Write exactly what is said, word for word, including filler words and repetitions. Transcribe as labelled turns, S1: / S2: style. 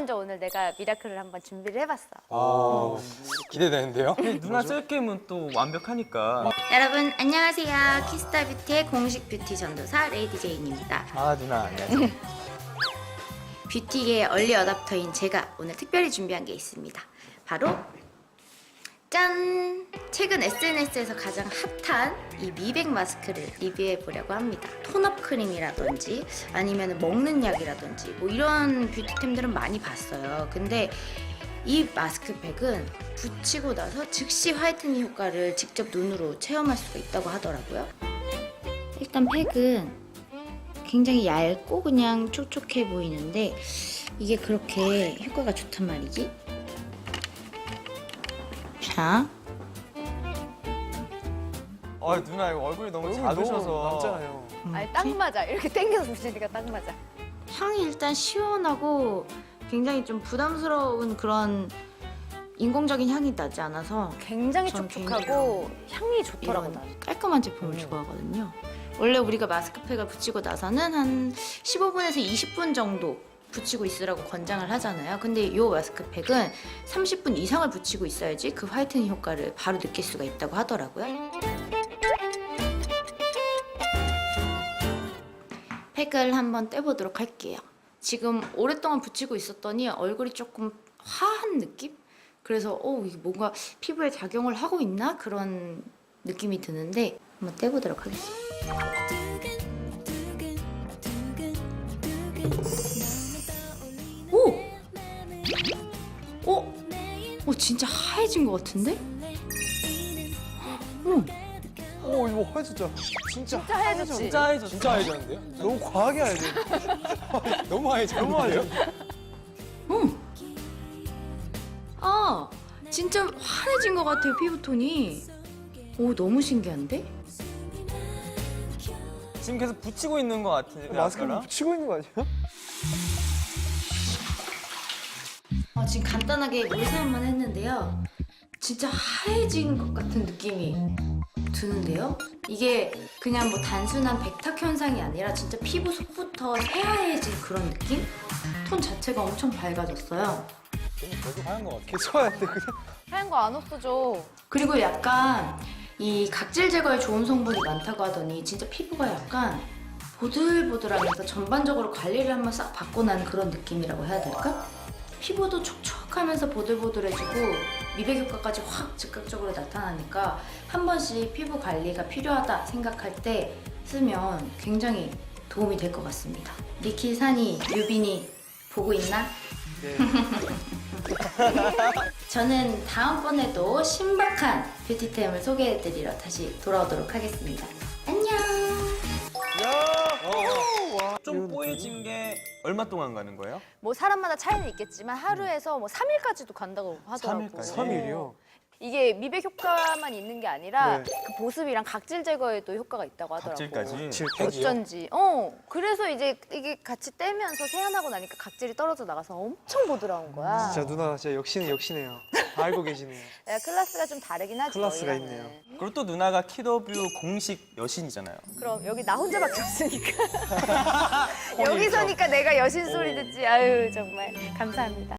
S1: 먼저 오늘 내가 미라클을 한번 준비를 해봤어.
S2: 아, 기대되는데요?
S3: 누나 셀게임은 또 완벽하니까.
S1: 여러분 안녕하세요. 키스타 뷰티의 공식 뷰티 전도사 레이디 제인입니다.
S3: 아 누나 안녕하세요.
S1: 뷰티계의 얼리 어답터인 제가 오늘 특별히 준비한 게 있습니다. 바로 짠! 최근 에스엔에스에서 가장 핫한 이 미백 마스크를 리뷰해 보려고 합니다. 톤업 크림이라든지 아니면 먹는 약이라든지 뭐 이런 뷰티템들은 많이 봤어요. 근데 이 마스크팩은 붙이고 나서 즉시 화이트닝 효과를 직접 눈으로 체험할 수가 있다고 하더라고요. 일단 팩은 굉장히 얇고 그냥 촉촉해 보이는데 이게 그렇게 효과가 좋단 말이지? 자,
S3: 아 누나 이거 얼굴이 너무 작으셔서.
S2: 남잖아요.
S4: 아니 딱 맞아. 이렇게 당겨서 붙이니까 딱 맞아.
S1: 향이 일단 시원하고 굉장히 좀 부담스러운 그런 인공적인 향이 나지 않아서
S4: 굉장히
S1: 전
S4: 촉촉하고 향이 좋더라고.
S1: 이런
S4: 나.
S1: 깔끔한 제품을 좋아하거든요. 원래 우리가 마스크팩을 붙이고 나서는 한 십오 분에서 이십 분 정도 붙이고 있으라고 권장을 하잖아요. 근데 이 마스크팩은 삼십 분 이상을 붙이고 있어야지 그 화이트닝 효과를 바로 느낄 수가 있다고 하더라고요. 팩을 한번 떼보도록 할게요. 지금 오랫동안 붙이고 있었더니 얼굴이 조금 화한 느낌? 그래서 어, 이게 뭔가 피부에 작용을 하고 있나? 그런 느낌이 드는데 한번 떼보도록 하겠습니다. 오! 어? 어, 진짜 하얘진 것 같은데? 어,
S2: 오, 이거 화해졌죠? 진짜
S4: 진짜 하얘졌지?
S3: 진짜 해줬어.
S2: 진짜 하얘졌는데요?
S3: 너무 과하게 하얘져.
S2: 너무 하얘졌는데요?
S3: 너무 하얘져.
S1: 어. 아, 진짜 환해진 것 같아요, 피부톤이. 오, 너무 신기한데?
S3: 지금 계속 붙이고 있는 것 같은데.
S2: 마스크를
S3: 아까랑?
S2: 붙이고 있는 거 아니에요?
S1: 아, 지금 간단하게 물 사용만 했는데요. 진짜 하얘진 것 같은 느낌이 드는데요? 이게 그냥 뭐 단순한 백탁 현상이 아니라 진짜 피부 속부터 새하얘진 그런 느낌? 톤 자체가 엄청 밝아졌어요.
S2: 계속 하얀 거 같아. 계속 하얀데 그냥.
S4: 하얀 거 안 없어져.
S1: 그리고 약간 이 각질 제거에 좋은 성분이 많다고 하더니 진짜 피부가 약간 보들보들하면서 전반적으로 관리를 한번 싹 받고 난 그런 느낌이라고 해야 될까? 피부도 촉촉하면서 보들보들해지고 미백 효과까지 확 즉각적으로 나타나니까 한 번씩 피부 관리가 필요하다 생각할 때 쓰면 굉장히 도움이 될 것 같습니다. 니키, 산이, 유빈이 보고 있나?
S2: 네.
S1: 저는 다음번에도 신박한 뷰티템을 소개해드리러 다시 돌아오도록 하겠습니다. 안녕!
S3: 좀 뽀얘진 게 얼마 동안 가는 거예요?
S4: 뭐 사람마다 차이는 있겠지만 하루에서 뭐 삼 일까지도 간다고 하더라고.
S3: 삼 일까지?
S2: 삼 일이요?
S4: 이게 미백 효과만 있는 게 아니라
S2: 네.
S4: 그 보습이랑 각질 제거에도 효과가 있다고 하더라고.
S3: 각질까지?
S4: 어쩐지. 어. 그래서 이제 이게 같이 떼면서 세안하고 나니까 각질이 떨어져 나가서 엄청 보드라운 거야.
S2: 진짜 누나 진짜 역시는 역시네요. 다 알고 계시네요.
S4: 내가 클래스가 좀 다르긴 하지.
S2: 클래스가
S4: 너희랑은.
S2: 있네요.
S3: 그리고 또 누나가 키더뷰 공식 여신이잖아요.
S4: 그럼 여기 나 혼자밖에 없으니까. 여기서니까 내가 여신 소리 듣지. 아유 정말 감사합니다.